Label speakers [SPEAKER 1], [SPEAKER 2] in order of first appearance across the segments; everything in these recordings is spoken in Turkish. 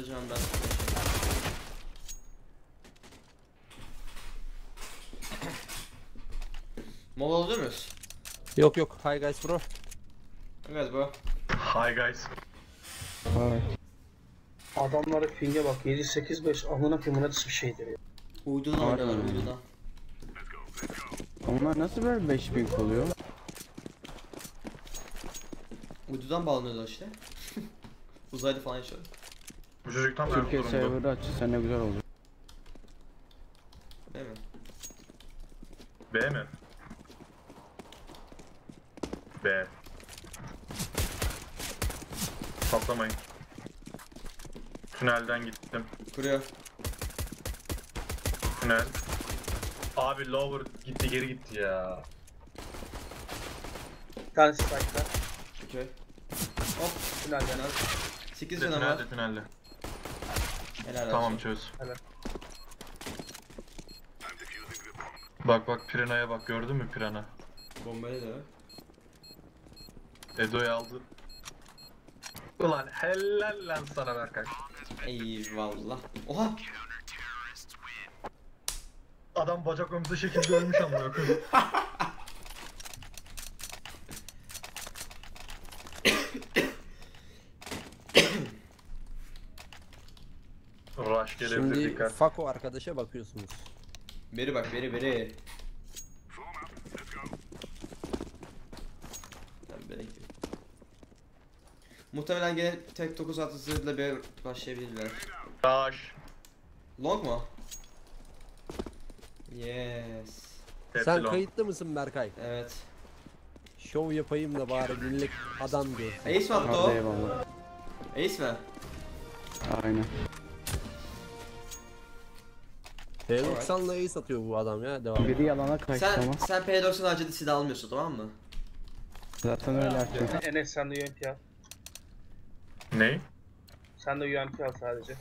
[SPEAKER 1] atacağım ben. Mola alıyor muyuz?
[SPEAKER 2] Yok yok. Hi guys bro.
[SPEAKER 1] Evet bro.
[SPEAKER 3] Hi guys.
[SPEAKER 4] Evet.
[SPEAKER 5] Adamlara ping'e bak 7-8-5 amına koyayım nasıl bir şeydir ya.
[SPEAKER 1] Uydudan oynuyorlar
[SPEAKER 4] Harbiden.
[SPEAKER 1] uydudan.
[SPEAKER 4] Onlar nasıl böyle 5000 oluyor?
[SPEAKER 1] Uydudan bağlanıyorlar işte. Uzayda falan yaşıyor.
[SPEAKER 3] Bu çocuk tam
[SPEAKER 4] Türkiye
[SPEAKER 3] Erzurum'da.
[SPEAKER 4] server'ı açılsa ne güzel olur.
[SPEAKER 1] Değil mi?
[SPEAKER 3] B mi? B. Patlamayın. Tünelden gittim.
[SPEAKER 1] Kuruyor.
[SPEAKER 3] Tünel. Abi lower gitti geri gitti ya.
[SPEAKER 5] Bir tanesi strike'da.
[SPEAKER 1] Okey. Hop.
[SPEAKER 5] Tünelden.
[SPEAKER 1] 8
[SPEAKER 3] De
[SPEAKER 1] canım var.
[SPEAKER 3] tünelde tünelde.
[SPEAKER 1] Helal olsun.
[SPEAKER 3] Tamam çöz.
[SPEAKER 5] Evet.
[SPEAKER 3] Bak bak Pirana'ya bak gördün mü Pirana?
[SPEAKER 1] Bombayı da.
[SPEAKER 3] Edo'yu aldı. Ulan helal lan sana Berkay.
[SPEAKER 1] Eyvallah. Oha.
[SPEAKER 3] Adam bacak ömrü şekilde ölmüş amına koyayım. Rush gelebilir
[SPEAKER 2] Şimdi
[SPEAKER 3] dikkat.
[SPEAKER 2] Fako arkadaşa bakıyorsunuz.
[SPEAKER 1] Beri bak beri. Tamam beri gidiyor. Muhtemelen gene tek 9 atısıyla bir başlayabilirler.
[SPEAKER 3] Rush.
[SPEAKER 1] Long mu? Yes.
[SPEAKER 3] Hepsi
[SPEAKER 2] Sen
[SPEAKER 3] long.
[SPEAKER 2] kayıtlı mısın Berkay?
[SPEAKER 1] Evet.
[SPEAKER 2] Şov yapayım da bari millet adam görsün.
[SPEAKER 1] Ace mi attı
[SPEAKER 4] Hadi
[SPEAKER 1] o?
[SPEAKER 4] eyvallah.
[SPEAKER 1] Ace mi?
[SPEAKER 4] Aynen.
[SPEAKER 2] P90'la ace atıyor bu adam ya. Devam.
[SPEAKER 4] Biri yalana kaçtı ama.
[SPEAKER 1] Sen P90 harcadı silah almıyorsun tamam mı?
[SPEAKER 4] Zaten öyle açıyor.
[SPEAKER 5] Enes sen de UMP al.
[SPEAKER 3] Ney?
[SPEAKER 5] Sen de UMP al sadece.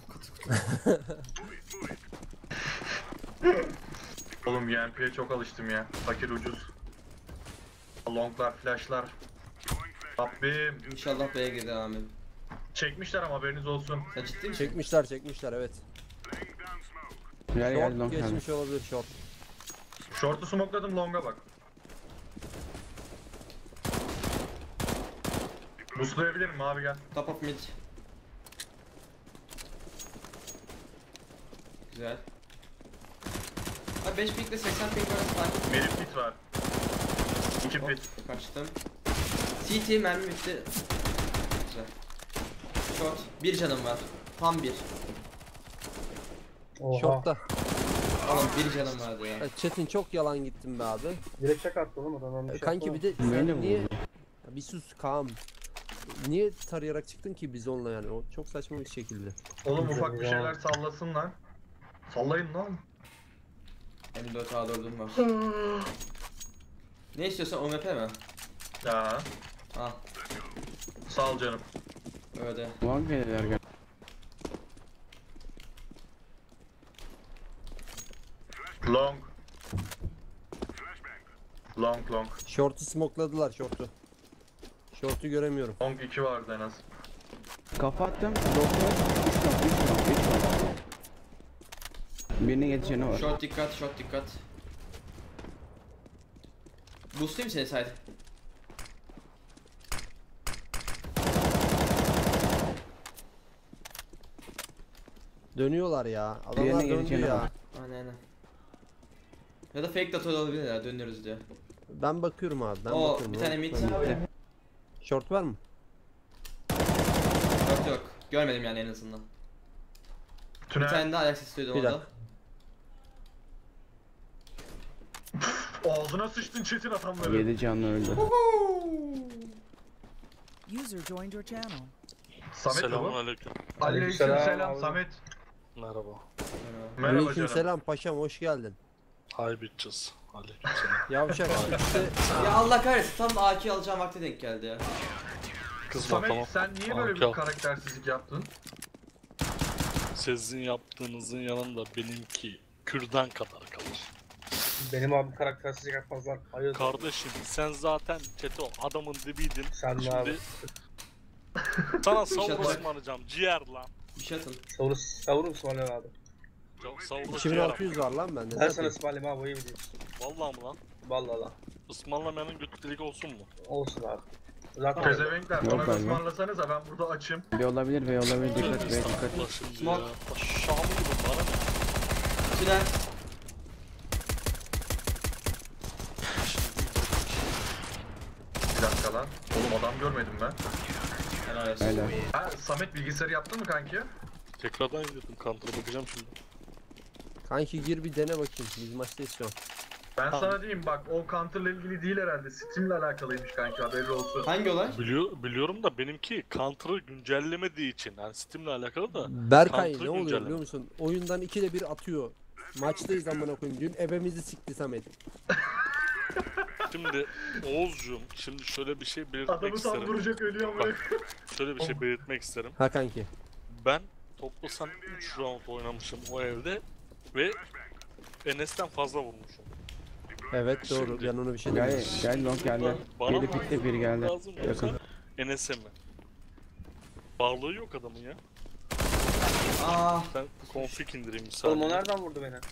[SPEAKER 3] Oğlum UMP'ye çok alıştım ya. Fakir ucuz. Longlar, flashlar. Rabbim.
[SPEAKER 1] İnşallah B'ye girdi amin.
[SPEAKER 3] Çekmişler ama haberiniz olsun.
[SPEAKER 1] Sen ciddi misin?
[SPEAKER 2] Çekmişler evet.
[SPEAKER 4] Gel gel
[SPEAKER 2] Short
[SPEAKER 4] long geldi.
[SPEAKER 2] geçmiş olabilir short.
[SPEAKER 3] Short'u smokeladım long'a bak. Boostlayabilirim abi gel.
[SPEAKER 1] Top of mid. Güzel. Abi 5 pinkle 80 pink arası fark.
[SPEAKER 3] Benim pit var. 2
[SPEAKER 1] Hop,
[SPEAKER 3] pit.
[SPEAKER 1] kaçtım. CT mermi bitti. Güzel. Short. 1 canım var. Tam 1.
[SPEAKER 5] Oha.
[SPEAKER 2] Short'ta.
[SPEAKER 1] Oğlum 1 canım vardı ya.
[SPEAKER 2] Çetin çok yalan gittin be abi.
[SPEAKER 5] Direkt çak attı oğlum adam. Bir şey
[SPEAKER 2] Kanki bir de
[SPEAKER 4] Beni
[SPEAKER 2] sen
[SPEAKER 4] vurdu.
[SPEAKER 2] niye... Ya bir sus Kaan. Niye tarayarak çıktın ki biz onunla yani? O çok saçma bir şekilde.
[SPEAKER 3] Oğlum ufak bir şeyler sallasın lan. Sallayın lan.
[SPEAKER 1] M4 A4'üm var. Ne istiyorsan OMP mi?
[SPEAKER 3] Ya.
[SPEAKER 1] Al.
[SPEAKER 3] Sağ ol canım.
[SPEAKER 1] Öyle.
[SPEAKER 4] Long gelirler gel.
[SPEAKER 3] Long. Long.
[SPEAKER 2] Short'u smokladılar short'u. Short'u göremiyorum.
[SPEAKER 3] Long 2 vardı en az.
[SPEAKER 4] Kafa attım. Doktor. 3 long. Birine yetişeni var.
[SPEAKER 1] Short dikkat. Boostlayayım seni side.
[SPEAKER 2] Dönüyorlar ya. Adamlar
[SPEAKER 4] Diğerine
[SPEAKER 2] döndü
[SPEAKER 4] geleceğine
[SPEAKER 2] ya.
[SPEAKER 4] bak.
[SPEAKER 1] Aynen. Ya da fake data olabilir ya dönüyoruz diye.
[SPEAKER 2] Ben bakıyorum abi. Ben
[SPEAKER 1] O
[SPEAKER 2] bakıyorum.
[SPEAKER 1] bir tane mid.
[SPEAKER 4] Bitti.
[SPEAKER 2] Short var mı?
[SPEAKER 1] Yok. Görmedim yani en azından. Bir
[SPEAKER 3] Tünel.
[SPEAKER 1] tane daha ayak sesi duydum
[SPEAKER 2] Bir
[SPEAKER 1] orada.
[SPEAKER 3] Ağzına sıçtın Çetin adamları.
[SPEAKER 4] 7 canlı öldü.
[SPEAKER 6] User joined your channel.
[SPEAKER 3] Samet mi bu?
[SPEAKER 7] Selamünaleyküm.
[SPEAKER 3] Aleykümselam
[SPEAKER 5] abi.
[SPEAKER 3] Samet.
[SPEAKER 7] Merhaba.
[SPEAKER 3] Merhaba canım.
[SPEAKER 2] Aleykümselam paşam hoş geldin.
[SPEAKER 7] Hi bitches. Aleykümselam.
[SPEAKER 2] Yavşak işte
[SPEAKER 1] Ya Allah kahretsin tam da AK alacağım vakti denk geldi ya.
[SPEAKER 7] Kızma
[SPEAKER 3] Samet
[SPEAKER 7] tamam.
[SPEAKER 3] sen niye böyle bir
[SPEAKER 7] Tamam.
[SPEAKER 3] karaktersizlik yaptın?
[SPEAKER 7] Sizin yaptığınızın yanında benimki kürdan kadar kalır.
[SPEAKER 5] Benim abim karaktersizlik yapmazlar. Hayır.
[SPEAKER 7] Kardeşim sen zaten Çeto adamın dibiydin.
[SPEAKER 5] Sen ne
[SPEAKER 7] Şimdi
[SPEAKER 5] abi?
[SPEAKER 7] sana savur
[SPEAKER 1] İnşallah.
[SPEAKER 7] ısmarlayacağım ciğer lan.
[SPEAKER 1] Bir şey atın.
[SPEAKER 5] Savurum ısmarlayalım abi.
[SPEAKER 7] Savurda
[SPEAKER 2] 2600 var lan bende.
[SPEAKER 5] Ben
[SPEAKER 2] Ne
[SPEAKER 5] sana
[SPEAKER 2] yapayım?
[SPEAKER 5] ısmarlayayım abi, o iyi biliyorsun.
[SPEAKER 7] Vallahi mı lan?
[SPEAKER 5] Vallahi lan.
[SPEAKER 7] Ismarlamayanın götü olsun mu?
[SPEAKER 5] Olsun abi. Zaten
[SPEAKER 3] Pezevenkler
[SPEAKER 4] Yok
[SPEAKER 3] bana
[SPEAKER 4] galiba.
[SPEAKER 3] ısmarlasanıza, ben burada açım.
[SPEAKER 4] Ve olabilir ve olabilir. Dikkat ve dikkat.
[SPEAKER 7] Allah şimdi
[SPEAKER 1] Smoke.
[SPEAKER 7] ya. Aşağı mı gibi bana ne?
[SPEAKER 1] Tünel.
[SPEAKER 3] Bir dakika lan. Oğlum adam görmedim ben.
[SPEAKER 1] Helal olsun.
[SPEAKER 4] Öyle.
[SPEAKER 3] Ha, Samet bilgisayarı yaptın mı kanki?
[SPEAKER 7] Tekrardan indirdim counter'a bakacağım şimdi.
[SPEAKER 2] Kanki gir bir dene bakayım. Biz maçtayız şu an.
[SPEAKER 3] Ben
[SPEAKER 2] Tamam.
[SPEAKER 3] sana diyeyim bak, o counter'la ilgili değil herhalde. Steam'le alakalıymış kanki, haberi olsun.
[SPEAKER 1] Hangi olay?
[SPEAKER 7] Biliyorum da benimki counter'ı güncellemediği için. Yani Steam'le alakalı da.
[SPEAKER 2] Berkay
[SPEAKER 7] Counter
[SPEAKER 2] ne oluyor
[SPEAKER 7] güncelleme.
[SPEAKER 2] biliyor musun? Oyundan 2'de 1 atıyor. Maçtayız amına koyayım. Dün ebemizi sikti Samet.
[SPEAKER 7] Şimdi Oğuzcuğum, şimdi şöyle bir şey belirtmek
[SPEAKER 3] Adamı
[SPEAKER 7] isterim.
[SPEAKER 3] saldıracak, ölüyor mu?
[SPEAKER 7] Şöyle bir şey belirtmek isterim.
[SPEAKER 2] Ha kanki.
[SPEAKER 7] Ben toplasan 3 round oynamışım o evde ve Enes'ten fazla vurmuşum.
[SPEAKER 2] Evet doğru.
[SPEAKER 7] Şimdi-
[SPEAKER 2] Yanına bir şey
[SPEAKER 4] Gel
[SPEAKER 2] demiyorum.
[SPEAKER 4] gel long geldi.
[SPEAKER 7] Bana
[SPEAKER 4] Biri
[SPEAKER 7] mı
[SPEAKER 4] pikte biri geldi.
[SPEAKER 7] lazım
[SPEAKER 4] Yakın.
[SPEAKER 7] yoksa Enes'e mi? Bağlığı yok adamın ya.
[SPEAKER 1] Aa.
[SPEAKER 7] Ben config indireyim bir
[SPEAKER 5] Oğlum o
[SPEAKER 7] saniye.
[SPEAKER 5] nereden vurdu beni?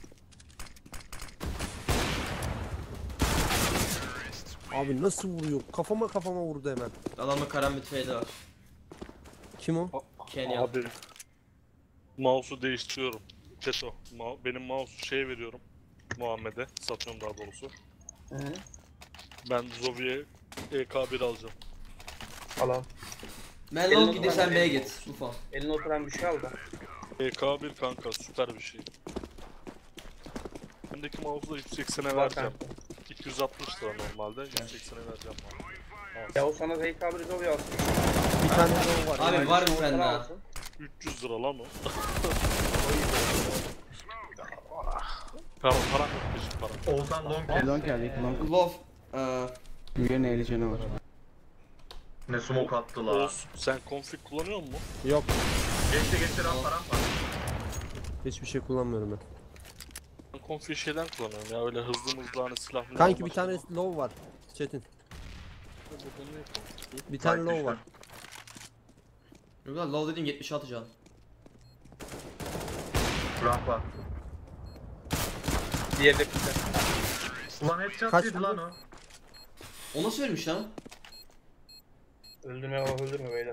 [SPEAKER 2] Abi nasıl vuruyor? Kafama vurdu hemen.
[SPEAKER 1] Adamda karambit fade var.
[SPEAKER 2] Kim o?
[SPEAKER 1] Kenya.
[SPEAKER 7] Abi mouse'u değiştiriyorum. Çeto. Benim mouse'u şeye veriyorum. Muhammed'e. Satıyorum daha doğrusu.
[SPEAKER 5] Hı hı.
[SPEAKER 7] Ben Zovi'ye EK1 alacağım.
[SPEAKER 5] Alalım.
[SPEAKER 1] Melon gidi sen B'ye git. Ufo.
[SPEAKER 5] Eline oturan bir şey al da.
[SPEAKER 7] EK1 kanka süper bir şey. Bendeki mouse'u da 180'e
[SPEAKER 5] Var
[SPEAKER 7] vereceğim.
[SPEAKER 5] kanka.
[SPEAKER 7] 260 lira normalde. 180'e vereceğim bana.
[SPEAKER 5] Ya o sana ZK bir Zoe alsın.
[SPEAKER 2] Bir tane daha var.
[SPEAKER 1] Abi var mı
[SPEAKER 5] Sana
[SPEAKER 1] sende?
[SPEAKER 5] alsın.
[SPEAKER 7] 300 lira lan o. Para yok peşin para.
[SPEAKER 3] Oğuzhan long kes.
[SPEAKER 4] Long geldi. Long.
[SPEAKER 1] Love.
[SPEAKER 4] Birinin 50 canı var.
[SPEAKER 3] Ne smoke attı la.
[SPEAKER 7] Oğuz sen config kullanıyor musun?
[SPEAKER 2] Yok.
[SPEAKER 3] Geçti rampa rampa.
[SPEAKER 2] Hiçbir şey kullanmıyorum ben.
[SPEAKER 7] Ben config şeyden kullanıyorum ya öyle hızlı hani silah.
[SPEAKER 2] Kanki bir tane low var. Çetin. Bir tane low var.
[SPEAKER 1] Yok lan low dediğim 76 can.
[SPEAKER 3] Rampa.
[SPEAKER 5] Diğeri de pikte.
[SPEAKER 3] Ulan headshot
[SPEAKER 2] Kaç
[SPEAKER 3] yedi lan o.
[SPEAKER 1] O nasıl ölmüş lan?
[SPEAKER 5] Öldürme beyler.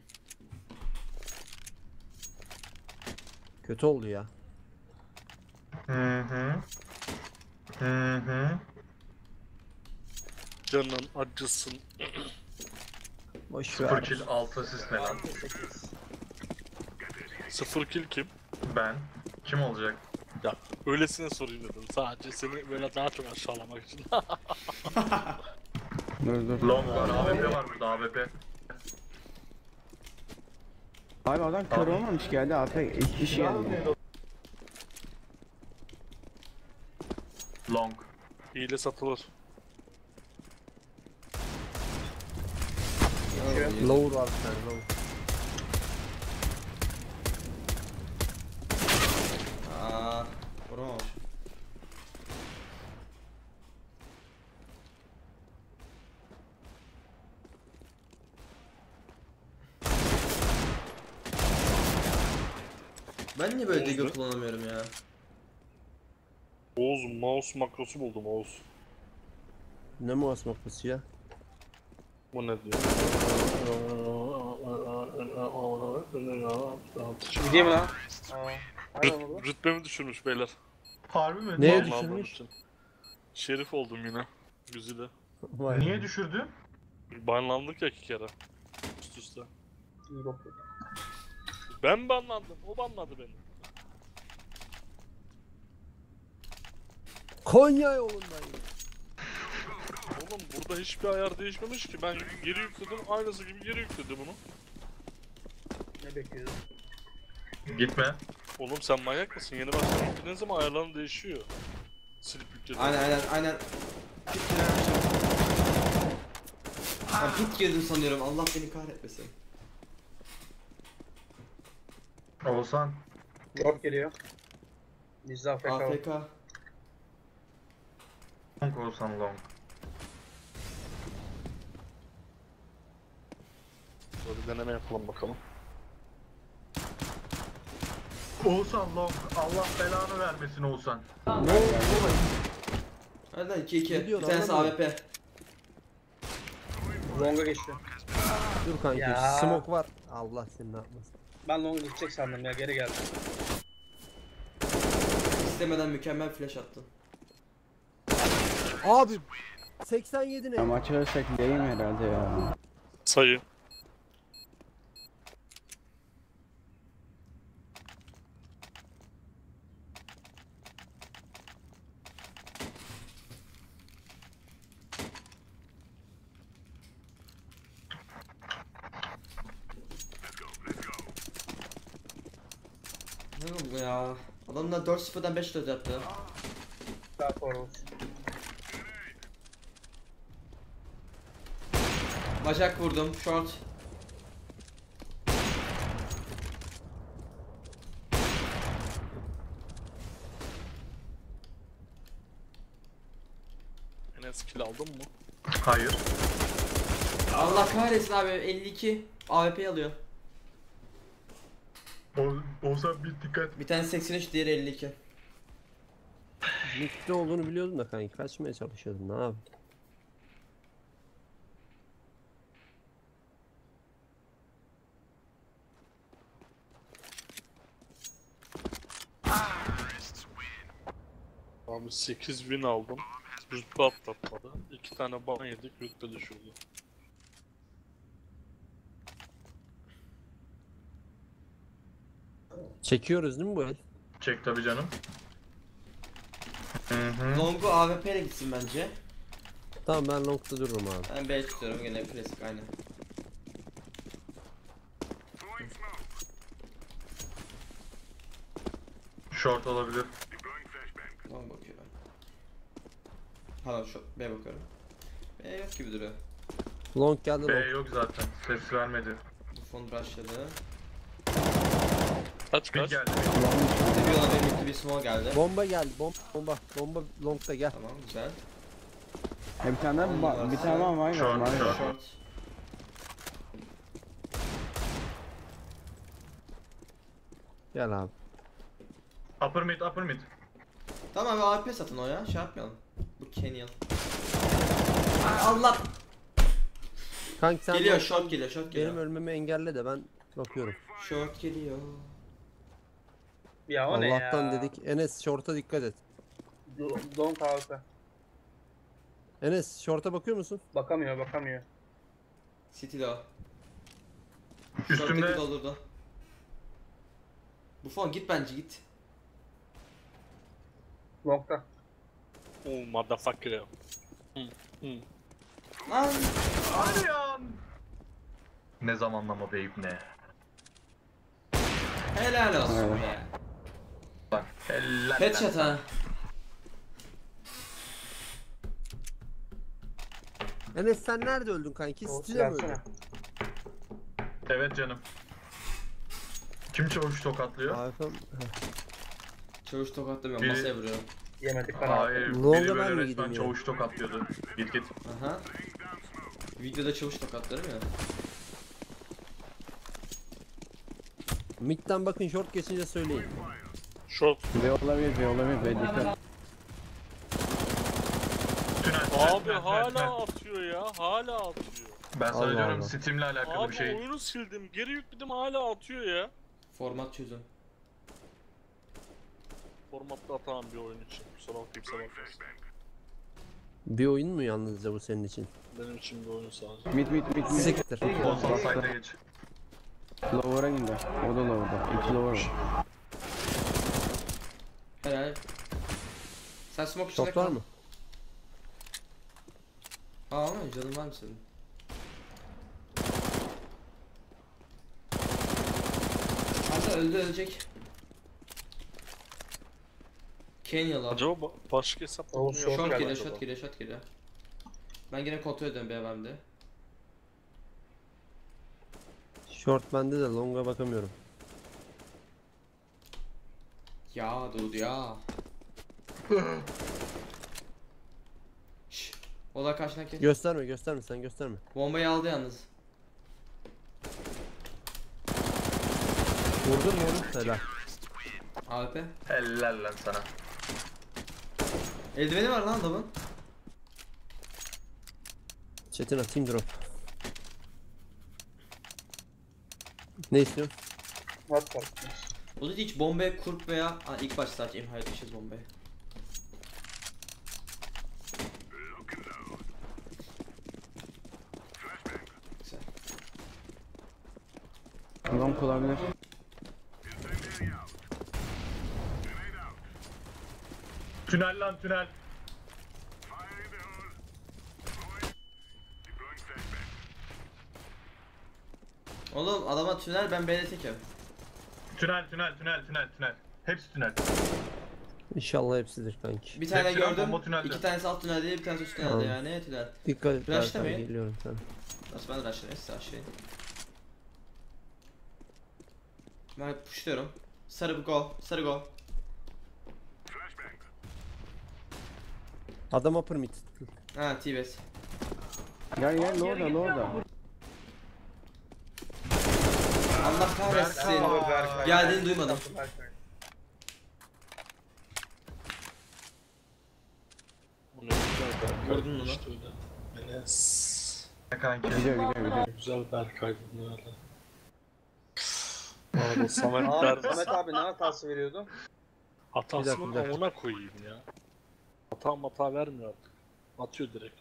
[SPEAKER 2] Kötü oldu ya.
[SPEAKER 3] Hı hı. Hı hı.
[SPEAKER 7] Canın acısın.
[SPEAKER 2] Boş
[SPEAKER 3] 0
[SPEAKER 2] ver.
[SPEAKER 3] kill 6 asist ne lan?
[SPEAKER 7] 0 kill kim?
[SPEAKER 3] Ben. Kim olacak?
[SPEAKER 7] Ya öylesine sorayım dedim. Sadece seni böyle daha çok aşağılamak için.
[SPEAKER 4] Dur.
[SPEAKER 3] Long var, AWP var burada, AWP.
[SPEAKER 4] Abi adam kör olmamış geldi. AP hiçbir şey geldi.
[SPEAKER 3] Long.
[SPEAKER 7] Hile satılır.
[SPEAKER 2] Lower var bir tane lower.
[SPEAKER 1] Aa. Vuramamış. Ben niye böyle
[SPEAKER 7] Oldu.
[SPEAKER 1] degil kullanamıyorum ya?
[SPEAKER 7] Oğuz mouse makrosu buldum Oğuz.
[SPEAKER 2] Ne mouse makrası ya?
[SPEAKER 7] Bu ne diyor?
[SPEAKER 5] Gideyim lan. Aynen oldu.
[SPEAKER 7] Rütbemi düşürmüş beyler.
[SPEAKER 3] Harbi mi?
[SPEAKER 2] Neye
[SPEAKER 7] Vallahi
[SPEAKER 2] düşürmüş?
[SPEAKER 7] bunun için. Şerif oldum yine. Güzide.
[SPEAKER 2] Vay.
[SPEAKER 3] Niye düşürdü?
[SPEAKER 7] Banlandık ya 2 kere. Üst üste.
[SPEAKER 5] İyi bakıyor.
[SPEAKER 7] Ben banlandım. O banladı beni.
[SPEAKER 2] Konya yolundayım.
[SPEAKER 7] Oğlum burada hiçbir ayar değişmemiş ki. Ben geri yükledim. Aynısı gibi geri yükledi bunu.
[SPEAKER 5] Ne bekliyorsun?
[SPEAKER 3] Gitme.
[SPEAKER 7] Oğlum sen manyak mısın? Yeni baştan yüklediğin zaman ayarların değişiyor. Silip yükledim.
[SPEAKER 1] Aynen. Pit girermişim. Ben pit girdim sanıyorum. Allah beni kahretmesin.
[SPEAKER 3] Oğuzhan.
[SPEAKER 5] Drop geliyor. Bizde AFK var.
[SPEAKER 1] AFK.
[SPEAKER 3] Long Oğuzhan long.
[SPEAKER 7] Böyle bir deneme yapalım bakalım.
[SPEAKER 3] Oğuzhan long. Allah belanı vermesin Oğuzhan.
[SPEAKER 2] Ne oldu?
[SPEAKER 1] Hadi lan 2-2.
[SPEAKER 2] Ne diyorsun,
[SPEAKER 1] Bir tanesi
[SPEAKER 2] anlamadım.
[SPEAKER 1] AWP.
[SPEAKER 5] Long'a geçti.
[SPEAKER 2] Dur kanki.
[SPEAKER 5] Ya.
[SPEAKER 2] Smoke var. Allah seni ne yapmasın.
[SPEAKER 5] Ben Long'a gidecek sandım ya, geri geldim.
[SPEAKER 1] İstemeden mükemmel flash attın.
[SPEAKER 2] Abi 87
[SPEAKER 4] Ya
[SPEAKER 2] ne?
[SPEAKER 4] maçı ölsek değil mi herhalde ya?
[SPEAKER 7] Sayı.
[SPEAKER 1] Ne oldu ya? Adamlar 4-0'dan 5-4 yaptı.
[SPEAKER 5] Daha sonra olsun.
[SPEAKER 1] Bacak vurdum. Short.
[SPEAKER 7] Enes kill aldın mı?
[SPEAKER 3] Hayır.
[SPEAKER 1] Allah kahretsin abi 52. AWP alıyor.
[SPEAKER 3] Oğuzhan bir dikkat.
[SPEAKER 1] Bir tane 83 diğeri 52.
[SPEAKER 2] Mid'de olduğunu biliyordum da kanki. Kaçmaya çalışıyordum. Ne abi?
[SPEAKER 7] Abi 8 win aldım. Rütbe atlatmadı. 2 tane ban yedik, rütbe düşürdü.
[SPEAKER 2] Çekiyoruz değil mi bu el?
[SPEAKER 3] Çek tabi canım. Hı.
[SPEAKER 1] Long'u AWP ile gitsin bence.
[SPEAKER 2] Tamam ben long'da dururum abi.
[SPEAKER 1] Ben B tutuyorum gene klasik aynı.
[SPEAKER 3] Short olabilir.
[SPEAKER 1] Long bakıyorum. Pardon şu B bakıyorum. B yok gibi duruyor.
[SPEAKER 2] Long geldi
[SPEAKER 3] B
[SPEAKER 2] long.
[SPEAKER 3] yok zaten. Ses vermedi.
[SPEAKER 1] Bu fon rushladı.
[SPEAKER 7] Kaç
[SPEAKER 3] Bir
[SPEAKER 7] kaç?
[SPEAKER 3] geldi.
[SPEAKER 1] Bir yola bir mutlu bir small geldi.
[SPEAKER 2] Bomba geldi. Bomba long'da gel.
[SPEAKER 1] Tamam güzel.
[SPEAKER 4] Bir tane daha bir tane daha var
[SPEAKER 3] Short,
[SPEAKER 4] var.
[SPEAKER 3] short.
[SPEAKER 1] Short.
[SPEAKER 2] Gel abi.
[SPEAKER 3] Upper mid, upper mid.
[SPEAKER 1] Tamam abi AWP satın o ya. Şey yapmayalım. Bu Kenyan. Allah.
[SPEAKER 2] Kanki sen
[SPEAKER 1] Geliyor
[SPEAKER 2] long-
[SPEAKER 1] short geliyor short geliyor.
[SPEAKER 2] benim ölmemi engelle de ben bakıyorum.
[SPEAKER 1] Short geliyor.
[SPEAKER 5] Ya o ne ya?
[SPEAKER 2] Allah'tan dedik. Enes short'a dikkat et.
[SPEAKER 5] Long AWP.
[SPEAKER 2] Enes short'a bakıyor musun?
[SPEAKER 5] Bakamıyor.
[SPEAKER 1] City'de o.
[SPEAKER 3] Üstümde.
[SPEAKER 1] Short'taki doldurdu. Bu fon git bence git.
[SPEAKER 5] Long'da.
[SPEAKER 7] Oh motherfucker.
[SPEAKER 1] Lan.
[SPEAKER 3] Hadi ya. Ne zamanlama beyip ne?
[SPEAKER 1] Helal olsun
[SPEAKER 4] Evet.
[SPEAKER 1] be.
[SPEAKER 3] Bak. Helal.
[SPEAKER 1] Headshot ha.
[SPEAKER 2] Enes sen nerede öldün kanki?
[SPEAKER 5] O
[SPEAKER 2] City'de mi öldün?
[SPEAKER 5] silahsana.
[SPEAKER 3] Evet canım. Kim çavuş tokatlıyor?
[SPEAKER 2] AFM.
[SPEAKER 1] Çavuş tokatlamıyorum
[SPEAKER 3] Biri-
[SPEAKER 1] masaya vuruyorum.
[SPEAKER 5] Yemedik ben
[SPEAKER 3] Hayır.
[SPEAKER 2] Long'a
[SPEAKER 3] Biri
[SPEAKER 2] ben
[SPEAKER 3] böyle
[SPEAKER 2] mi
[SPEAKER 3] resmen
[SPEAKER 2] gideyim ya?
[SPEAKER 3] çavuş tokatlıyordu. Git.
[SPEAKER 1] Aha. Videoda çavuş tokatlarım ya.
[SPEAKER 2] Mid'den bakın short geçince söyleyin.
[SPEAKER 7] Short.
[SPEAKER 4] B olabilir B dikkat.
[SPEAKER 3] Tünel.
[SPEAKER 7] Abi hala atıyor ya. Hala atıyor.
[SPEAKER 3] Ben sana
[SPEAKER 2] Allah
[SPEAKER 3] diyorum
[SPEAKER 2] Allah.
[SPEAKER 3] Steam'le alakalı
[SPEAKER 7] Abi
[SPEAKER 3] bir şey.
[SPEAKER 7] oyunu sildim. Geri yükledim hala atıyor ya.
[SPEAKER 1] Format çözüm.
[SPEAKER 7] Formatta atamam bir oyun için. Kusura bakmayın bakmasın.
[SPEAKER 2] Bir oyun mu yalnızca bu senin için?
[SPEAKER 7] Benim için bir oyun sadece.
[SPEAKER 4] Mid.
[SPEAKER 2] Siktir.
[SPEAKER 3] Olsan side'e geç.
[SPEAKER 4] Lower'a indi. O da lower'da. 2 lower var.
[SPEAKER 1] Helal. Sen smoke içinde
[SPEAKER 2] Short var
[SPEAKER 1] kal.
[SPEAKER 2] mı?
[SPEAKER 1] Aa ama canın var mı senin? Hatta ölecek. Kenyalı.
[SPEAKER 7] Acaba başka hesapla
[SPEAKER 5] Oğlum,
[SPEAKER 7] bunu
[SPEAKER 5] short
[SPEAKER 1] Short
[SPEAKER 7] yapıyor
[SPEAKER 1] geliyor,
[SPEAKER 7] acaba?
[SPEAKER 1] short geliyor, short geliyor. Ben yine kontrol ediyorum BMW'de.
[SPEAKER 2] Short bende de long'a bakamıyorum.
[SPEAKER 1] Ya dudu ya. Şşş. Ola karşına kes.
[SPEAKER 2] Gösterme sen gösterme.
[SPEAKER 1] Bombayı aldı yalnız.
[SPEAKER 2] Vurdun mu onu? Helal.
[SPEAKER 1] AWP.
[SPEAKER 3] Helal lan sana.
[SPEAKER 1] Eldiveni var lan adamın.
[SPEAKER 2] Çetin atayım drop. Ne istiyorsun?
[SPEAKER 5] What fark etmez.
[SPEAKER 1] O da hiç bombaya kurp veya ilk baş sadece imha etmişiz bombaya. Güzel.
[SPEAKER 4] Long olabilir.
[SPEAKER 3] Tünel lan tünel.
[SPEAKER 1] Oğlum adama tünel, ben B'de tekim.
[SPEAKER 3] Tünel. Hepsi tünel.
[SPEAKER 2] İnşallah hepsidir kanki.
[SPEAKER 1] Bir tane
[SPEAKER 3] Hepsi lan,
[SPEAKER 1] gördüm.
[SPEAKER 3] bomba tünelde.
[SPEAKER 1] 2 tanesi alt tünelde, bir tanesi üst tünelde
[SPEAKER 2] Tamam.
[SPEAKER 1] yani tünel.
[SPEAKER 2] Dikkat et.
[SPEAKER 1] Rushlamayın.
[SPEAKER 2] Berkay, geliyorum sana.
[SPEAKER 1] Nasıl ben rushlayayım, size aşağıya. Ben pushluyorum. Sarı go, sarı go.
[SPEAKER 2] Adam upper mid.
[SPEAKER 1] Ha T-base.
[SPEAKER 4] Gel Lord'a.
[SPEAKER 1] Allah kahretsin.
[SPEAKER 3] Berkay.
[SPEAKER 1] Geldiğini duymadım.
[SPEAKER 5] Berkay.
[SPEAKER 7] Bu ne güzel Berkay.
[SPEAKER 1] Gördün mü lan?
[SPEAKER 7] İşte öyle. Enes.
[SPEAKER 3] Kanki.
[SPEAKER 4] Gidiyor.
[SPEAKER 7] Güzel Berkay bunun öyle. Arada Samet
[SPEAKER 5] Ahmet
[SPEAKER 7] derdi.
[SPEAKER 5] abi ne hatası veriyordu?
[SPEAKER 7] Hatasının
[SPEAKER 2] Bir dakika.
[SPEAKER 7] amına koyayım ya. Hata vermiyor artık. Atıyor direkt.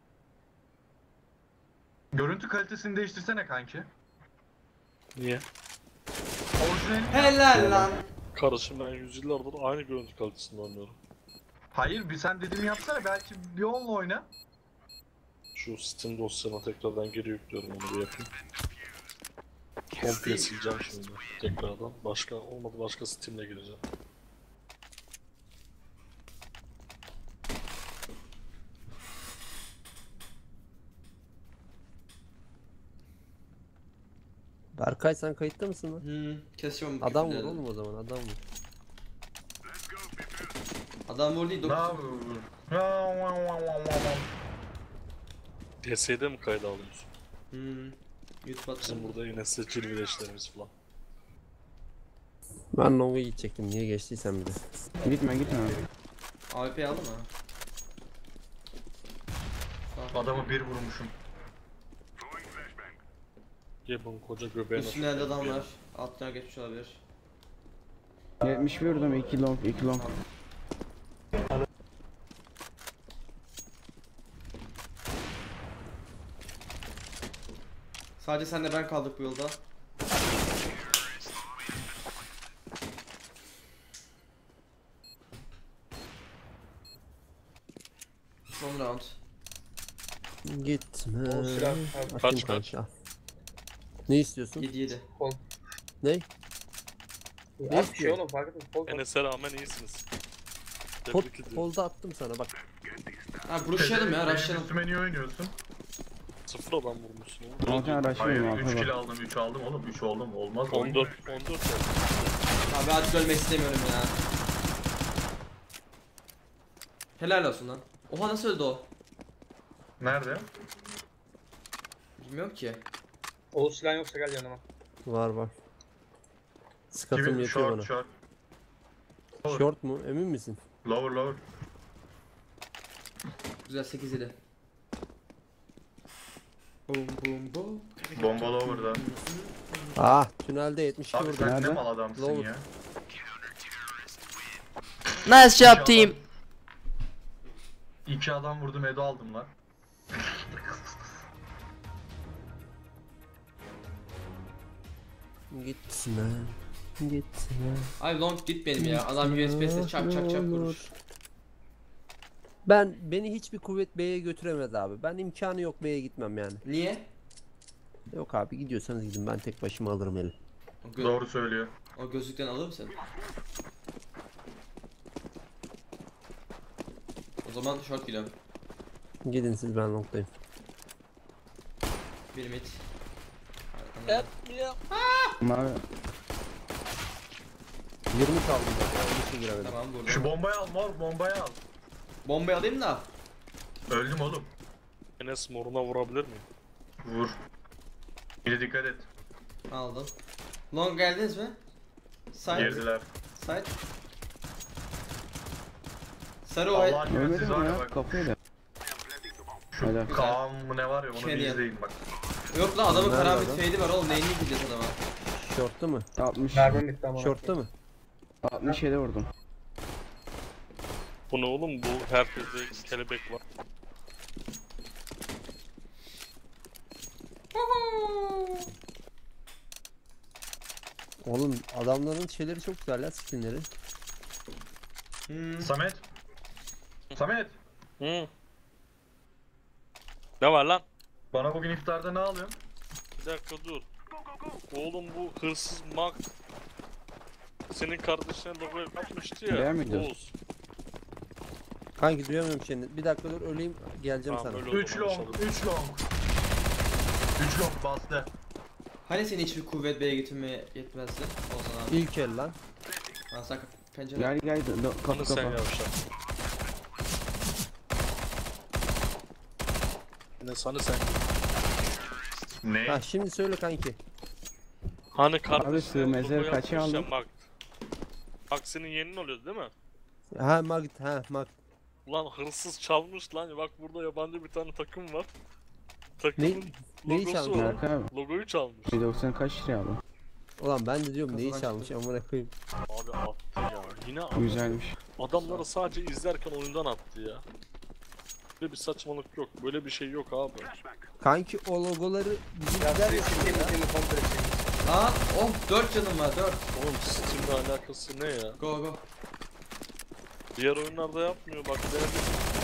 [SPEAKER 3] Görüntü kalitesini değiştirsene kanki.
[SPEAKER 7] Niye?
[SPEAKER 3] Orijinal.
[SPEAKER 1] Helal lan.
[SPEAKER 7] Kardeşim ben yüzyıllardır aynı görüntü kalitesinde oynuyorum.
[SPEAKER 3] Hayır bir sen dediğimi yapsana, belki bir onunla oyna.
[SPEAKER 7] Şu Steam dosyana tekrardan geri yüklüyorum, onu bir yapayım. Komple sileceğim şimdi tekrardan. Başka Steam'le gireceğim.
[SPEAKER 2] Berkay sen kayıtta mısın lan?
[SPEAKER 1] Kesiyorum bu
[SPEAKER 2] Adam vur
[SPEAKER 1] küfürleri.
[SPEAKER 2] oğlum o zaman adam vur.
[SPEAKER 1] Adam vur değil,
[SPEAKER 3] Ne
[SPEAKER 1] 9.
[SPEAKER 3] yapıyorsun?
[SPEAKER 7] DS'de mi kayda alıyorsun?
[SPEAKER 1] YouTube
[SPEAKER 7] Bizim
[SPEAKER 1] attım.
[SPEAKER 7] burada yine cilveleşlerimiz falan.
[SPEAKER 2] Ben long'a gidecektim. Niye geçtiysen bir de.
[SPEAKER 4] Gitme.
[SPEAKER 1] AWP'yi aldın mı?
[SPEAKER 3] Adamı bir vurmuşum.
[SPEAKER 7] Gebun koca göbeğine
[SPEAKER 1] Üstünde elde adam var. Altına geçmiş olabilir.
[SPEAKER 4] 70 vurdum 2 long.
[SPEAKER 1] Sadece senle ben kaldık bu yolda. Son round.
[SPEAKER 2] Gitme.
[SPEAKER 5] O silah.
[SPEAKER 2] Atayım
[SPEAKER 7] Kaç?
[SPEAKER 2] kanka, al. Ne istiyorsun?
[SPEAKER 1] 7-7.
[SPEAKER 2] Ne?
[SPEAKER 5] Az bir şey oğlum fark etmez. Kol.
[SPEAKER 7] Enes'e rağmen iyisiniz.
[SPEAKER 2] Kol,
[SPEAKER 7] Tebrik ediyorum.
[SPEAKER 2] kolda attım sana bak.
[SPEAKER 1] Ha rushlayalım ya,
[SPEAKER 3] Benim
[SPEAKER 1] rushlayalım.
[SPEAKER 3] üstüme niye oynuyorsun?
[SPEAKER 7] 0 adam vurmuşsun oğlum.
[SPEAKER 4] Altan
[SPEAKER 3] Hayır,
[SPEAKER 4] araştırıyorum
[SPEAKER 3] 3
[SPEAKER 4] abi.
[SPEAKER 3] kill aldım, 3 aldım oğlum, 3 oldum, olmaz.
[SPEAKER 7] 14
[SPEAKER 1] Abi artık ölmek istemiyorum ya. Helal olsun lan. Oha nasıl öldü o?
[SPEAKER 3] Nerede?
[SPEAKER 1] Bilmiyorum ki.
[SPEAKER 5] O silah yoksa gel yanıma.
[SPEAKER 2] Var. Skatım
[SPEAKER 3] Kimin?
[SPEAKER 2] yetiyor bana.
[SPEAKER 3] Short.
[SPEAKER 2] Short mu? Emin misin?
[SPEAKER 3] Lower.
[SPEAKER 1] Güzel 8-7. Boom boom boom.
[SPEAKER 3] Bomba lower'da.
[SPEAKER 2] Ah tünelde 72
[SPEAKER 3] Abi
[SPEAKER 2] vurdum.
[SPEAKER 3] sen ne
[SPEAKER 4] Nerede?
[SPEAKER 3] mal adamsın
[SPEAKER 2] Lower.
[SPEAKER 3] ya.
[SPEAKER 1] Nice job team.
[SPEAKER 3] 2 adam vurdum, Edo aldım lan.
[SPEAKER 2] Gitme.
[SPEAKER 1] Ay long gitmeyelim ya. Adam USB'si çak vurur.
[SPEAKER 2] Beni hiçbir kuvvet B'ye götüremez abi. Ben imkanı yok B'ye gitmem yani.
[SPEAKER 1] Niye?
[SPEAKER 2] Yok abi gidiyorsanız gidin ben tek başıma alırım eli.
[SPEAKER 3] Doğru söylüyor.
[SPEAKER 1] O gözlükten alır mısın? O zaman short gidiyorum.
[SPEAKER 2] Gidin siz ben longdayım.
[SPEAKER 1] Bir mid.
[SPEAKER 4] Mavi.
[SPEAKER 2] 20 kaldım ben. Onun için giremedim.
[SPEAKER 1] Tamam burada.
[SPEAKER 3] Şu bombayı al mor, bombayı al.
[SPEAKER 1] Bombayı alayım da.
[SPEAKER 3] Öldüm oğlum.
[SPEAKER 7] Enes moruna vurabilir miyim?
[SPEAKER 3] Vur. Bir de dikkat et.
[SPEAKER 1] Aldım. Long geldiniz mi? Side.
[SPEAKER 3] Girdiler.
[SPEAKER 1] Side. Sarı o.
[SPEAKER 3] Allah aşkına siz
[SPEAKER 4] Ölmedim
[SPEAKER 3] var ya
[SPEAKER 4] ya
[SPEAKER 3] bak.
[SPEAKER 4] kafayla.
[SPEAKER 3] Şu
[SPEAKER 4] Helal.
[SPEAKER 3] Kaan mı ne var ya onu bir
[SPEAKER 1] Canyon.
[SPEAKER 3] izleyin bak.
[SPEAKER 1] Yok lan adamın
[SPEAKER 2] Nerede
[SPEAKER 1] karabit
[SPEAKER 2] adam?
[SPEAKER 1] fade'i var oğlum. Neyini gideceğiz adama?
[SPEAKER 2] Şortta mı?
[SPEAKER 4] 60.
[SPEAKER 5] Mermim bitti ama.
[SPEAKER 2] Şortta mı?
[SPEAKER 4] 67 vurdum.
[SPEAKER 7] Bu ne oğlum, bu herkeste kelebek var.
[SPEAKER 2] Oğlum adamların şeyleri çok güzel ya, skinleri.
[SPEAKER 3] Samet. Samet.
[SPEAKER 7] Hı. Ne var lan?
[SPEAKER 3] Bana bugün iftarda ne alıyorsun?
[SPEAKER 7] Bir dakika dur. Oğlum bu hırsız mag senin kardeşine logo yapmıştı ya.
[SPEAKER 4] Beğenmedin.
[SPEAKER 7] Oğuz.
[SPEAKER 2] Kanki duyamıyorum seni. Bir dakika dur, öleyim geleceğim
[SPEAKER 7] Tamam,
[SPEAKER 2] sana.
[SPEAKER 7] öyle.
[SPEAKER 3] 3 long, 3 long. 3 long bastı.
[SPEAKER 1] Hani seni hiçbir kuvvet B'ye getirmeye yetmezdi? Olsan abi.
[SPEAKER 2] İlk el lan.
[SPEAKER 1] Lan sakın pencere.
[SPEAKER 4] Gel gel kapı
[SPEAKER 7] Hani sen
[SPEAKER 4] kapı.
[SPEAKER 7] yavşak. Ne sana sen?
[SPEAKER 3] Ne?
[SPEAKER 2] Ha şimdi söyle kanki.
[SPEAKER 7] Hani kardeşine
[SPEAKER 4] sığ mezarı
[SPEAKER 7] logo
[SPEAKER 4] kaça
[SPEAKER 7] yapmış ya
[SPEAKER 4] aldın?
[SPEAKER 7] mag. Mag senin yeğenin oluyordu değil mi?
[SPEAKER 2] Ha Magit, ha Mag.
[SPEAKER 7] Ulan hırsız çalmış lan, bak burada yabancı bir tane takım var. Takımın
[SPEAKER 2] neyi
[SPEAKER 7] logosu
[SPEAKER 2] çalmış?
[SPEAKER 7] var.
[SPEAKER 4] Berk abi.
[SPEAKER 7] Logoyu çalmış.
[SPEAKER 4] 190 kaç liraya aldın?
[SPEAKER 2] Ulan ben de diyorum neyi
[SPEAKER 1] Kafadan
[SPEAKER 2] çalmış amına koyayım.
[SPEAKER 7] Abi attı ya. Yine attı.
[SPEAKER 4] Güzelmiş.
[SPEAKER 7] Adamları sadece izlerken oyundan attı ya. Böyle bir saçmalık yok. Böyle bir şey yok abi.
[SPEAKER 2] Kanki o logoları
[SPEAKER 5] Ya
[SPEAKER 2] bizimkiler
[SPEAKER 5] seni
[SPEAKER 2] yapıyor
[SPEAKER 5] sikeyim
[SPEAKER 2] ya.
[SPEAKER 5] seni komple sikeyim.
[SPEAKER 1] Aa, oh 4 canım var 4.
[SPEAKER 7] Oğlum Steam'le alakası ne ya?
[SPEAKER 1] Go go.
[SPEAKER 7] Diğer oyunlarda yapmıyor bak, denedim.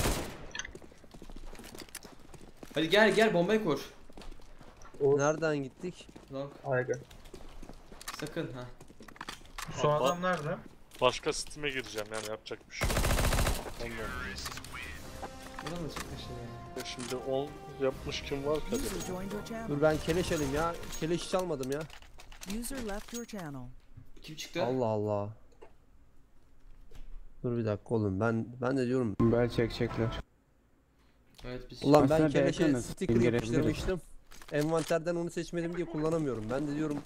[SPEAKER 1] Hadi gel gel bombayı kur.
[SPEAKER 2] Nereden gittik?
[SPEAKER 1] Long.
[SPEAKER 5] Ayga.
[SPEAKER 1] Sakın ha.
[SPEAKER 3] Son
[SPEAKER 7] Bak-
[SPEAKER 3] adam nerede?
[SPEAKER 7] Başka Steam'e gireceğim yani, yapacak bir şey yok. Ondan.
[SPEAKER 1] Buna da çıkmış ya.
[SPEAKER 7] Şimdi 10 yapmış kim var ki acaba?
[SPEAKER 6] User joined your channel.
[SPEAKER 2] Dur ben keleş alayım ya. Keleş çalmadım ya.
[SPEAKER 6] User left your channel.
[SPEAKER 1] Kim çıktı?
[SPEAKER 2] Allah Allah. Dur bir dakika oğlum, ben de diyorum.
[SPEAKER 4] Bel çekecekler.
[SPEAKER 1] Evet biz.
[SPEAKER 2] Ulan ben
[SPEAKER 4] Aslında
[SPEAKER 2] keleşe
[SPEAKER 4] Berkan'ız,
[SPEAKER 2] sticker
[SPEAKER 4] indirebiliriz.
[SPEAKER 2] yapıştırmıştım. Envanterden onu seçmedim diye kullanamıyorum. Ben de diyorum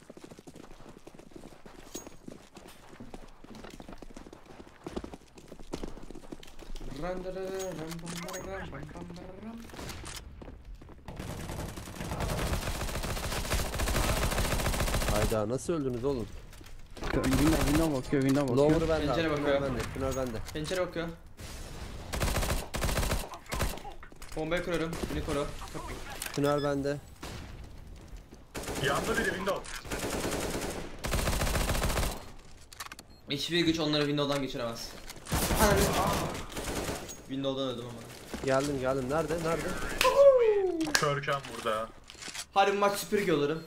[SPEAKER 2] hayda nasıl öldünüz oğlum?
[SPEAKER 4] Window bakıyor, window bakıyor.
[SPEAKER 2] Lower'ı bende,
[SPEAKER 1] Pencere
[SPEAKER 2] abi,
[SPEAKER 1] bakıyor.
[SPEAKER 2] tünel bende, tünel bende.
[SPEAKER 1] Pencere bakıyor. Bombayı kuruyorum. Beni koru.
[SPEAKER 2] Tünel bende.
[SPEAKER 3] Yanında biri window.
[SPEAKER 1] Hiçbir güç onları Windows'dan geçiremez. Ananı. Windows'dan öldüm ama.
[SPEAKER 2] Geldim. Nerede?
[SPEAKER 3] Körken burada.
[SPEAKER 1] Hadi bu maç süpürge olurum.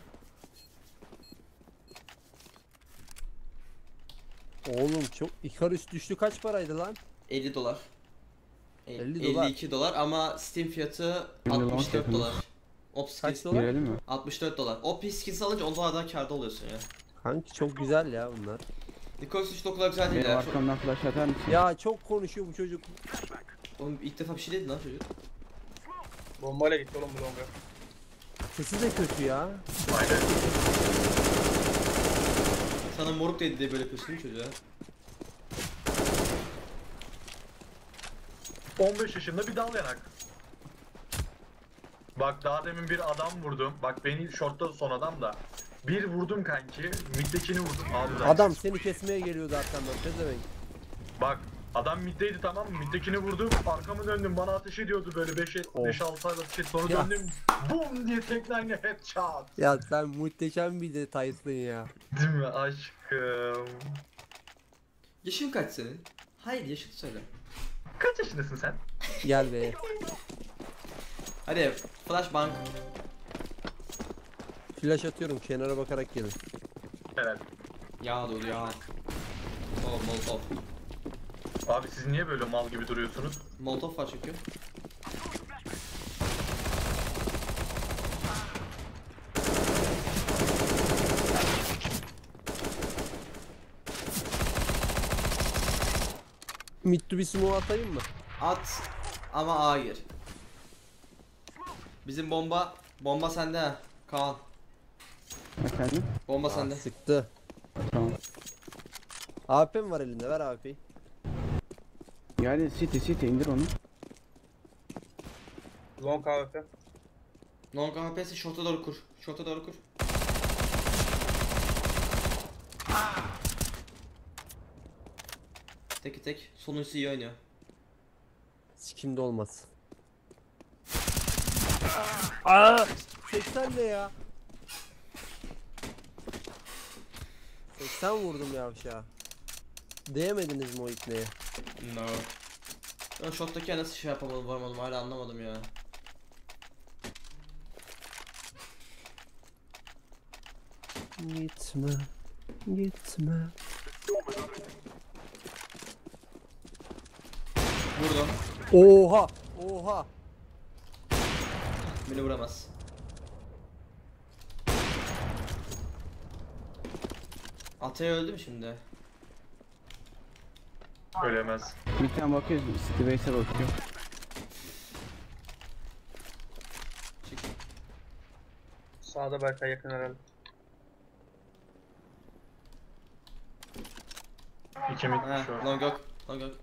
[SPEAKER 2] Oğlum çok Icarus düştü, kaç paraydı lan?
[SPEAKER 1] 50 dolar.
[SPEAKER 2] 50 dolar.
[SPEAKER 1] 52 dolar ama Steam fiyatı
[SPEAKER 4] Şimdi
[SPEAKER 1] 64
[SPEAKER 4] launch
[SPEAKER 1] dolar. Op
[SPEAKER 2] Kaç
[SPEAKER 1] skins
[SPEAKER 2] dolar?
[SPEAKER 4] Girelim mi?
[SPEAKER 1] 64 dolar. O skins alınca 10 dolardan kârda oluyorsun ya.
[SPEAKER 2] Kanki çok güzel ya bunlar.
[SPEAKER 1] Nikos hiç o kadar güzel değil
[SPEAKER 4] Benim
[SPEAKER 1] ya.
[SPEAKER 4] arkamdan flash atar mısın?
[SPEAKER 2] Ya çok konuşuyor bu çocuk.
[SPEAKER 1] Oğlum ilk defa bir şey dedi lan çocuk.
[SPEAKER 5] Bombayla gitti oğlum bu longa.
[SPEAKER 2] Sesi de kötü ya.
[SPEAKER 3] Aynen.
[SPEAKER 1] Sana moruk dedi diye böyle yapıyorsun değil mi çocuğa?
[SPEAKER 3] 15 yaşında bir dal yanak. Bak daha demin bir adam vurdum. Bak beni shortta son adam da. Bir vurdum kanki. Middekini vurdum. Abi lan.
[SPEAKER 2] Adam seni kesmeye geliyordu arkamdan. Pezevenk.
[SPEAKER 3] Bak adam middeydi tamam mı? Middekini vurdum. Arkamı döndüm. Bana ateş ediyordu böyle 5-6 ayda bir şey. Sonra
[SPEAKER 2] Ya.
[SPEAKER 3] döndüm. Boom diye tekneyle headshot.
[SPEAKER 2] Ya sen muhteşem bir detaysın ya.
[SPEAKER 3] Değil mi aşkım?
[SPEAKER 1] Yaşın kaç senin? Hayır yaşını söyle.
[SPEAKER 3] Kaç yaşındasın sen?
[SPEAKER 2] Gel be.
[SPEAKER 1] Hadi flashbang.
[SPEAKER 2] Flash atıyorum, kenara bakarak gelin.
[SPEAKER 3] Helal.
[SPEAKER 1] Ya dur ya. Oh molotov.
[SPEAKER 3] Abi siz niye böyle mal gibi duruyorsunuz?
[SPEAKER 1] Molotov var çünkü.
[SPEAKER 2] Mitsubishi Smoke atayım mı?
[SPEAKER 1] At ama A gir. Bizim bomba sende ha. Kaan.
[SPEAKER 4] Efendim?
[SPEAKER 1] Bomba sende.
[SPEAKER 2] Sıktı.
[SPEAKER 4] Tamam.
[SPEAKER 2] AP mi var elinde? Ver AP'yi.
[SPEAKER 4] Geldi City indir onu.
[SPEAKER 5] Long AWP.
[SPEAKER 1] Long AP'si short'a doğru kur. Short'a doğru kur. Teki tek. Sonuncusu iyi oynuyor.
[SPEAKER 2] Sikimde olmaz. Aa! 80 ne ya? 80 vurdum yavşağa. Değemediniz mi o ipneye?
[SPEAKER 1] No. Ben shot'taki nasıl şey yapamadım, varamadım, hala anlamadım ya.
[SPEAKER 2] Gitme. Gitme.
[SPEAKER 1] Vurdum.
[SPEAKER 2] Oha! Oha!
[SPEAKER 1] Beni vuramaz. Atay öldü mü şimdi?
[SPEAKER 3] Ölemez.
[SPEAKER 4] Bir tane bakıyoruz. City base'e bakıyor.
[SPEAKER 5] Sağda Berkay yakın herhalde.
[SPEAKER 3] 2 mid
[SPEAKER 1] Ha,
[SPEAKER 3] short.
[SPEAKER 1] long yok. Long yok.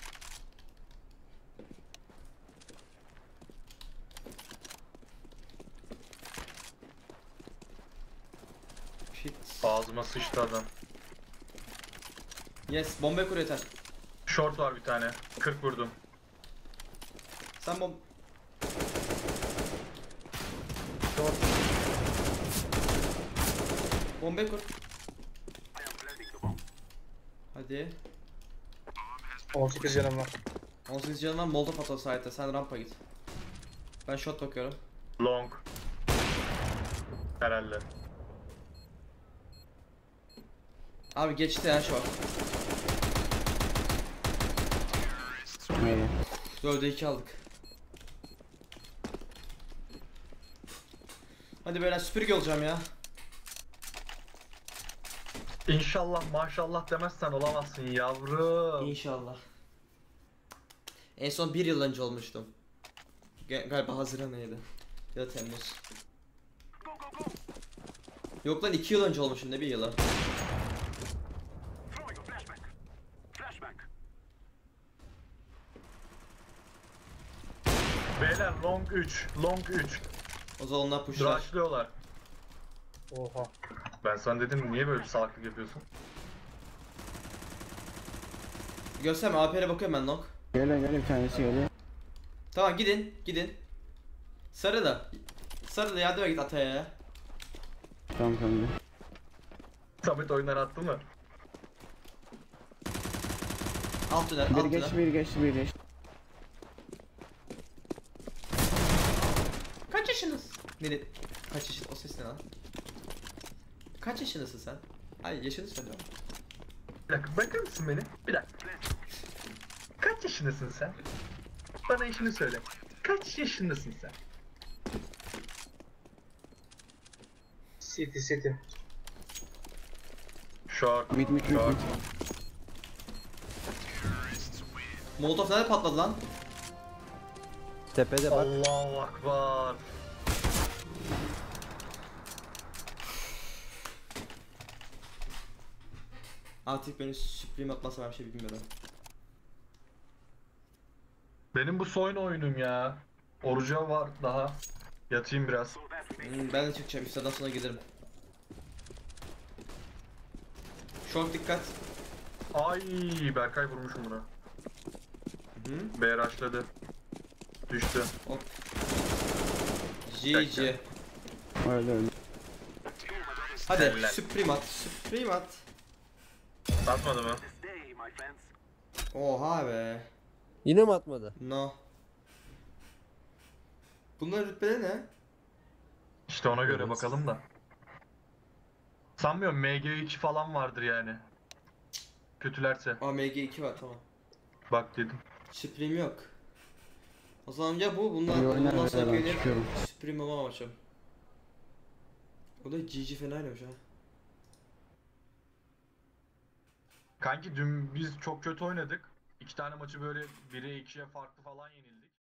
[SPEAKER 1] Shit.
[SPEAKER 3] Ağzıma sıçtı adam.
[SPEAKER 1] Yes, bomba kur yeter.
[SPEAKER 3] Short var bir tane. 40 vurdum.
[SPEAKER 1] Sen bomb... Bomba kur. Hadi.
[SPEAKER 5] 18 canım var.
[SPEAKER 1] 18 canım var, molotov at o site'e, sen rampa git. Ben shot bakıyorum.
[SPEAKER 3] Long. Herhalde.
[SPEAKER 1] Abi geçti ya short.
[SPEAKER 4] Neydi?
[SPEAKER 1] 4'e 2 aldık. Hadi böyle süpürge olacağım ya.
[SPEAKER 3] İnşallah maşallah demezsen olamazsın yavrum.
[SPEAKER 1] İnşallah. En son 1 yıl önce olmuştum. Galiba Haziran ayıydı. Ya da Temmuz. Yok lan 2 yıl önce olmuşum, ne bir yılı.
[SPEAKER 3] Beyler long 3. Long 3.
[SPEAKER 1] O zaman onlar pushlar.
[SPEAKER 3] Rushlıyorlar.
[SPEAKER 5] Oha.
[SPEAKER 3] Ben sana dedim niye böyle bir salaklık yapıyorsun?
[SPEAKER 1] Gösterme, AP'ye bakıyorum ben long.
[SPEAKER 4] Geliyor bir tanesi geliyor.
[SPEAKER 1] Tamam gidin, gidin. Sarı da. Sarı da yardıma git Atay'a ya.
[SPEAKER 4] Tamam.
[SPEAKER 3] Samet oyundan attı mı?
[SPEAKER 1] Alt tünel,
[SPEAKER 4] Bir
[SPEAKER 1] alt
[SPEAKER 4] geçti
[SPEAKER 1] tünel.
[SPEAKER 4] bir geçti.
[SPEAKER 1] Kaç yaşındasın? Ne dedi? Kaç yaşın? O ses ne lan? Kaç yaşındasın sen? Hayır, yaşını söyle.
[SPEAKER 3] Bir dakika bakar mısın beni? Bir dakika. Kaç yaşındasın sen? Bana yaşını söyle. Kaç yaşındasın sen?
[SPEAKER 5] City.
[SPEAKER 3] Short.
[SPEAKER 4] Mid.
[SPEAKER 3] Short.
[SPEAKER 1] Molotov nerede patladı lan?
[SPEAKER 2] Tepede bak.
[SPEAKER 3] Allahu akbar.
[SPEAKER 1] Artık beni Supreme atmasa ben bir şey bilmiyorum.
[SPEAKER 3] Benim bu soyun oyunum ya. Oruca var daha. Yatayım biraz.
[SPEAKER 1] Ben de çıkacağım, üstadan sonra gelirim. Short dikkat.
[SPEAKER 3] Ay Berkay vurmuşum buna.
[SPEAKER 1] Hı?
[SPEAKER 3] B rushladı. Düştü.
[SPEAKER 1] Hop. GG.
[SPEAKER 4] Öyle.
[SPEAKER 1] Hadi
[SPEAKER 3] Helal.
[SPEAKER 1] Supreme at. Supreme at.
[SPEAKER 3] Atmadı mı?
[SPEAKER 1] Oha be.
[SPEAKER 2] Yine mi atmadı?
[SPEAKER 1] No. Bunların rütbeleri ne?
[SPEAKER 3] İşte ona göre bakalım da. Sanmıyorum MG2 falan vardır yani. Kötülerse.
[SPEAKER 1] Aa MG2 var, tamam.
[SPEAKER 3] Bak dedim.
[SPEAKER 1] Supreme yok. O zaman ya bu,
[SPEAKER 4] İyi
[SPEAKER 1] bundan
[SPEAKER 4] oynar
[SPEAKER 1] sonra
[SPEAKER 4] ben
[SPEAKER 1] gelir
[SPEAKER 4] çıkıyorum.
[SPEAKER 1] Supreme olmam açım. O da GG fena oynamış ha.
[SPEAKER 3] Kanki dün biz çok kötü oynadık. 2 tane maçı böyle 1'e 2'ye farklı falan yenildik.